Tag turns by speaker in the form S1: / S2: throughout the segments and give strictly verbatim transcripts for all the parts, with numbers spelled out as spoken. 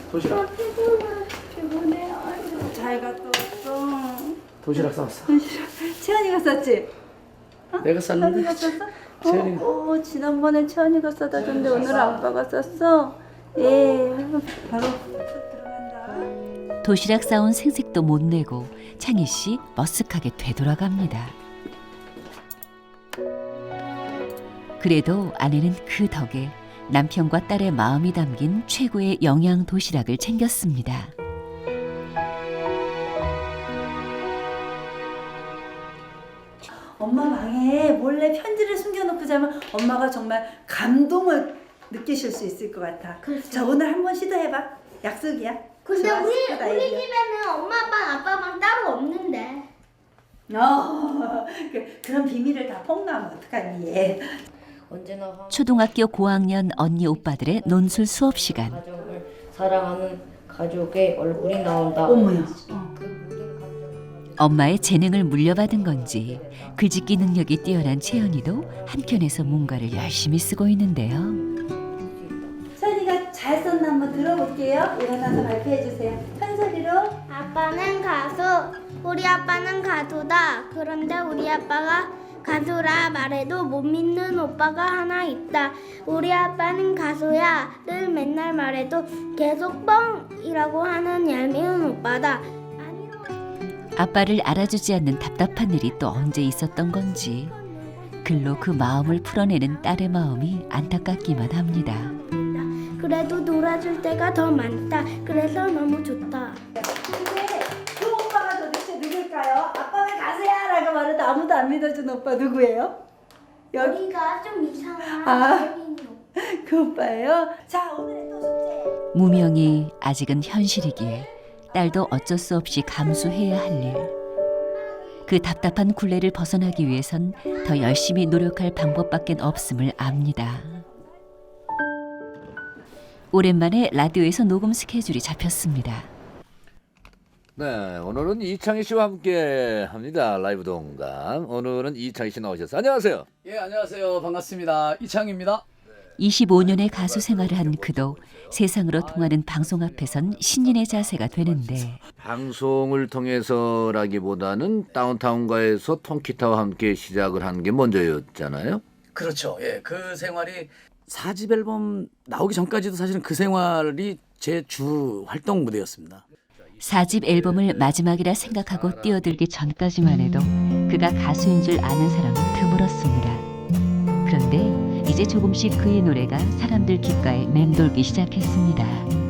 S1: 도시락.
S2: 아, 피곤해. 피곤해. 아이고, 잘 갔다 왔어.
S1: 도시락 싸왔어.
S2: 도시락. 채연이가 쌌지?
S1: 내가 쌌는데.
S2: 채연이가 쌌어?
S1: 채연이가.
S2: 어, 어, 지난번에 채연이가 싸다 줬는데 오늘 아빠가 쌌어? 예. 바로 들어간다.
S3: 도시락 싸온 생색도 못 내고 창희 씨 머쓱하게 되돌아갑니다. 그래도 아내는 그 덕에 남편과 딸의 마음이 담긴 최고의 영양 도시락을 챙겼습니다.
S2: 엄마 방에 몰래 편지를 숨겨놓고 자면 엄마가 정말 감동을 느끼실 수 있을 것 같아.
S4: 그렇죠.
S2: 자, 오늘 한번 시도해봐. 약속이야.
S4: 근데
S2: 좋아,
S4: 우리
S2: 스쿠다
S4: 우리
S2: 아이디어.
S4: 집에는 엄마 방 아빠 방 따로 없는데.
S2: 어, 그, 그런 비밀을 다 폭로하면 어떡하니 얘.
S5: 언제나 한
S3: 초등학교 고학년 언니 오빠들의 논술 수업 시간.
S5: 가정을 사랑하는 가족의 얼굴이 나온다.
S2: 어머야.
S5: 그 모든 감정을
S3: 엄마의 재능을 물려받은 건지 글짓기 능력이 뛰어난 채연이도 한켠에서 뭔가를 열심히 쓰고 있는데요.
S2: 서연이가 잘 썼나 한번 들어볼게요. 일어나서 발표해주세요. 큰 소리로.
S4: 아빠는 가수, 우리 아빠는 가수다. 그런데 우리 아빠가 가수라 말해도 못 믿는 오빠가 하나 있다. 우리 아빠는 가수야. 늘 맨날 말해도 계속 뻥이라고 하는 얄미운 오빠다.
S3: 아빠를 알아주지 않는 답답한 일이 또 언제 있었던 건지 글로 그 마음을 풀어내는 딸의 마음이 안타깝기만 합니다.
S4: 그래도 놀아줄 때가 더 많다. 그래서 너무 좋다.
S2: 근데 그 오빠가 도대체 누굴까요? 아빠는 가수야 라고 말해도 아무도 안 믿어준 오빠 누구예요? 여기
S4: 여기가 좀 이상한
S2: 아.
S4: 얄미운 오빠.
S2: 그 오빠예요? 자, 오늘의 또 숙제.
S3: 무명이 아직은 현실이기에 딸도 어쩔 수 없이 감수해야 할 일. 그 답답한 굴레를 벗어나기 위해선 더 열심히 노력할 방법밖엔 없음을 압니다. 오랜만에 라디오에서 녹음 스케줄이 잡혔습니다.
S6: 네, 오늘은 이창희 씨와 함께 합니다. 라이브 동감. 오늘은 이창희 씨 나오셨어요. 안녕하세요.
S1: 예, 안녕하세요. 반갑습니다. 이창입니다.
S3: 이십오 년의 가수 생활을 한 그도 세상으로 통하는 방송 앞에선 신인의 자세가 되는데
S6: 방송을 통해서라기보다는 다운타운가에서 통기타와 함께 시작을 한 게 먼저였잖아요.
S1: 그렇죠. 예, 그 생활이 사 집 앨범 나오기 전까지도 사실은 그 생활이 제 주 활동 무대였습니다.
S3: 사 집 앨범을 마지막이라 생각하고 뛰어들기 전까지만 해도 그가 가수인 줄 아는 사람은 드물었습니다. 그런데 이제 조금씩 그의 노래가 사람들 귓가에 맴돌기 시작했습니다.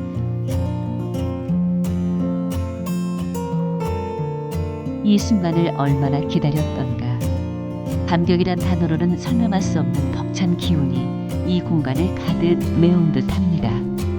S3: 이 순간을 얼마나 기다렸던가. 감격이란 단어로는 설명할 수 없는 벅찬 기운이 이 공간을 가득 메운 듯합니다.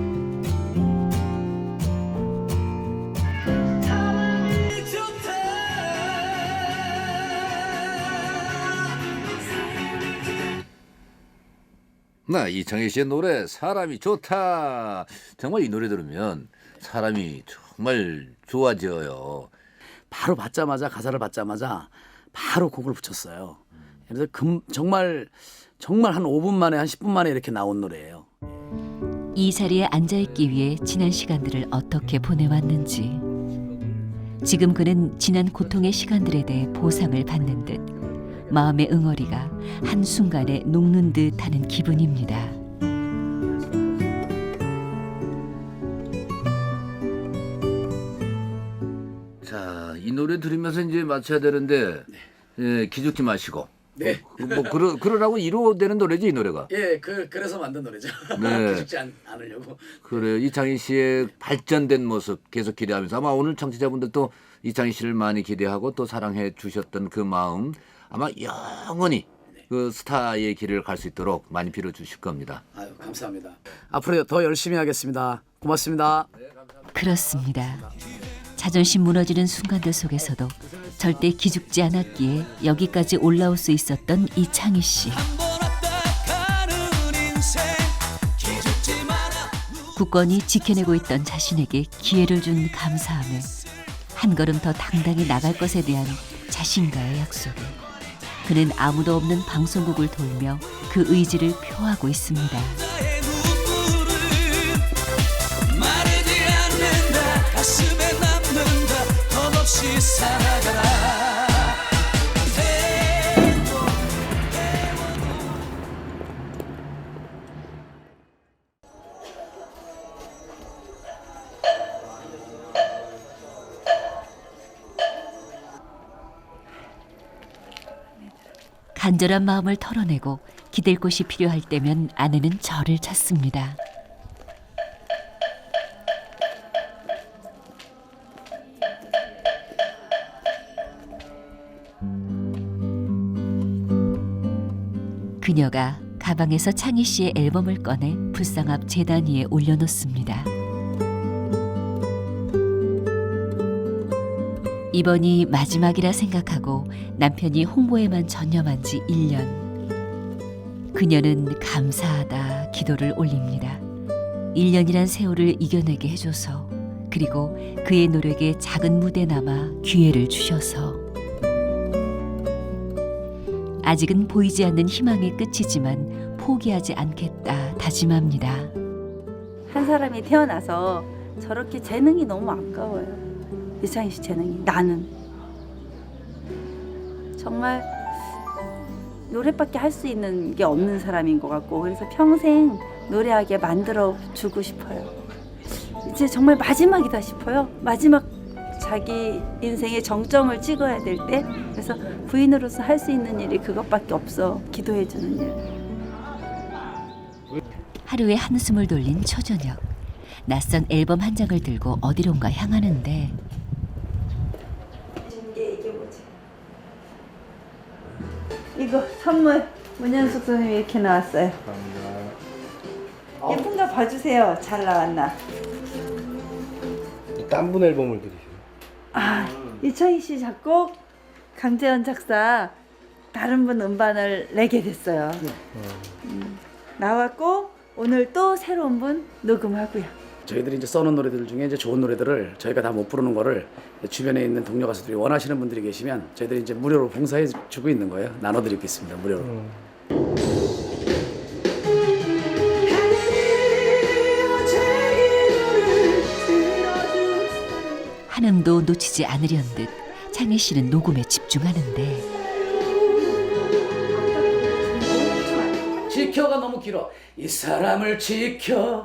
S6: 네, 이창희 씨의 노래 사람이 좋다. 정말 이 노래 들으면 사람이 정말 좋아져요.
S1: 바로 받자마자 가사를 받자마자 바로 곡을 붙였어요. 그래서 금, 정말 정말 한 오 분 만에 한 십 분 만에 이렇게 나온 노래예요.
S3: 이 자리에 앉아있기 위해 지난 시간들을 어떻게 보내왔는지 지금 그는 지난 고통의 시간들에 대해 보상을 받는 듯 마음의 응어리가 한순간에 녹는 듯 하는 기분입니다.
S6: 자, 이 노래 들으면서 이제 맞춰야 되는데 예, 기죽지 마시고.
S1: 네.
S6: 뭐 그러 그러라고 이루어되는 노래지 이 노래가.
S1: 예, 그 그래서 만든 노래죠.
S6: 네.
S1: 기죽지 않, 않으려고.
S6: 그래요. 이창희 씨의 발전된 모습 계속 기대하면서 아마 오늘 청취자분들도 이창희 씨를 많이 기대하고 또 사랑해 주셨던 그 마음 아마 영원히 그 스타의 길을 갈 수 있도록 많이 빌어 주실 겁니다.
S1: 아유, 감사합니다. 앞으로 더 열심히 하겠습니다. 고맙습니다.
S3: 그렇습니다. 자존심 무너지는 순간들 속에서도 절대 기죽지 않았기에 여기까지 올라올 수 있었던 이창희 씨. 굳건히 지켜내고 있던 자신에게 기회를 준 감사함에 한 걸음 더 당당히 나갈 것에 대한 자신과의 약속에 그는 아무도 없는 방송국을 돌며 그 의지를 표하고 있습니다.
S7: 마르지
S3: 간절한 마음을 털어내고 기댈 곳이 필요할 때면 아내는 저를 찾습니다. 그녀가 가방에서 창희 씨의 앨범을 꺼내 불상 앞 재단 위에 올려놓습니다. 이번이 마지막이라 생각하고 남편이 홍보에만 전념한 지 일 년. 그녀는 감사하다 기도를 올립니다. 일 년이란 세월을 이겨내게 해줘서, 그리고 그의 노력에 작은 무대 남아 기회를 주셔서. 아직은 보이지 않는 희망의 끝이지만 포기하지 않겠다 다짐합니다.
S2: 한 사람이 태어나서 저렇게 재능이 너무 아까워요. 이창희 씨 재능이. 나는 정말 노래밖에 할 수 있는 게 없는 사람인 것 같고, 그래서 평생 노래하게 만들어 주고 싶어요. 이제 정말 마지막이다 싶어요. 마지막 자기 인생의 정점을 찍어야 될 때, 그래서 부인으로서 할 수 있는 일이 그것밖에 없어. 기도해 주는 일.
S3: 하루에 한숨을 돌린 초저녁. 낯선 앨범 한 장을 들고 어디론가 향하는데
S2: 이게 이게 뭐지? 이거 선물 문현숙 선생님이 이렇게 나왔어요. 예쁜가 봐주세요. 잘 나왔나?
S7: 딴 분 앨범을 들으세요.
S2: 아, 이창희 씨 작곡, 강재현 작사, 다른 분 음반을 내게 됐어요. 음, 나왔고 오늘 또 새로운 분 녹음하고요.
S1: 저희들이 이제 써놓은 노래들 중에 이제 좋은 노래들을 저희가 다 못 부르는 거를 주변에 있는 동료 가수들이 원하시는 분들이 계시면 저희들이 이제 무료로 봉사해 주고 있는 거예요. 나눠드리고 있습니다. 무료로.
S7: 음.
S3: 한음도 놓치지 않으려는 듯 창희 씨는 녹음에 집중하는데
S1: 지켜가 너무 길어. 이 사람을 지켜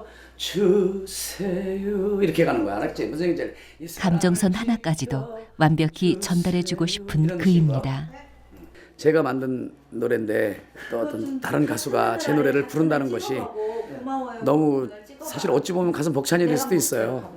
S1: 주세요. 이렇게 가는 거야. 알았지? 무슨 얘기인지. 이 사람을
S3: 감정선 하나까지도 완벽히 전달해주고 싶은 그입니다.
S1: 제가 만든 노래인데 또 어떤 다른 가수가 제 노래를 부른다는 것이 너무 사실 어찌 보면 가슴 벅찬이 될 수도 있어요.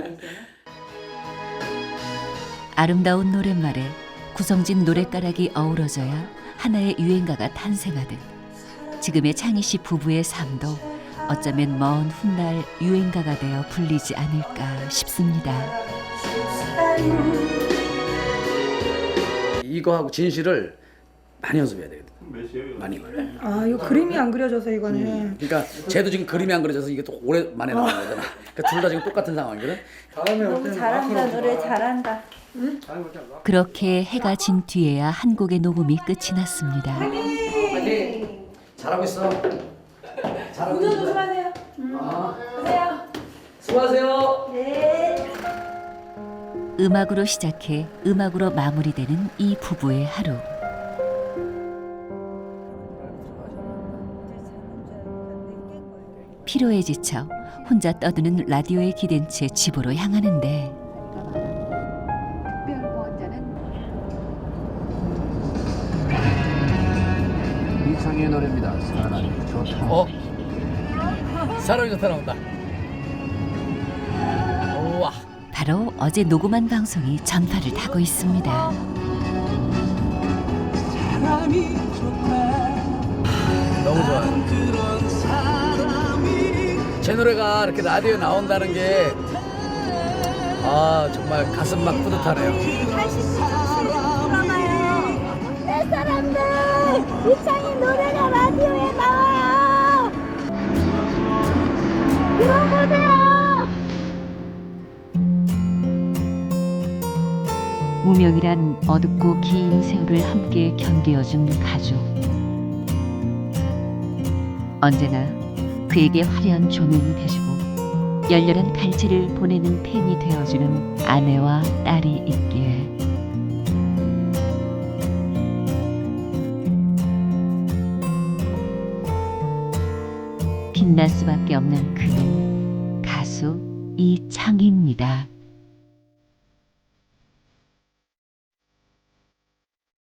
S3: 아름다운 노랫말에 구성진 노랫가락이 어우러져야 하나의 유행가가 탄생하듯 지금의 창희 씨 부부의 삶도 어쩌면 먼 훗날 유행가가 되어 불리지 않을까 싶습니다.
S1: 이거하고 진실을 많이 연습해야 되거든. 많이.
S8: 아, 이거 그림이 안 그려져서 이거는.
S1: 음. 그러니까 쟤도 지금 그림이 안 그려져서 이게 또 오랜만에 나온 거잖아. 그러니까 둘 다 지금 똑같은 상황이거든.
S2: 너무 잘한다. 노래 잘한다.
S3: 그렇게 해가 진 뒤에야 한 곡의 녹음이 끝이 났습니다.
S1: 파이팅! 잘하고 있어. 잘하고 있어.
S2: 조심하세요.
S1: 아,
S2: 가세요.
S1: 수고하세요.
S2: 네.
S3: 음악으로 시작해 음악으로 마무리되는 이 부부의 하루. 피로에 지쳐 혼자 떠드는 라디오에 기댄 채 집으로 향하는데
S6: 이창희의 노래입니다. 사랑이 좋다.
S1: 어? 사람이 좋다 나온다. 우와.
S3: 바로 어제 녹음한 방송이 전파를 타고 있습니다.
S1: 너무 좋아요. 제 노래가 이렇게 라디오에 나온다는 게 아, 정말 가슴 막 뿌듯하네요.
S4: 내 사람들, 이창희 노래가 라디오에 나와요. 들어보세요.
S3: 무명이란 어둡고 긴 세월을 함께 견디어준 가족. 언제나 그에게 화려한 조명이 되주고 열렬한 갈채를 보내는 팬이 되어주는 아내와 딸이 있기에 빛날 수밖에 없는 그는 가수 이창희입니다.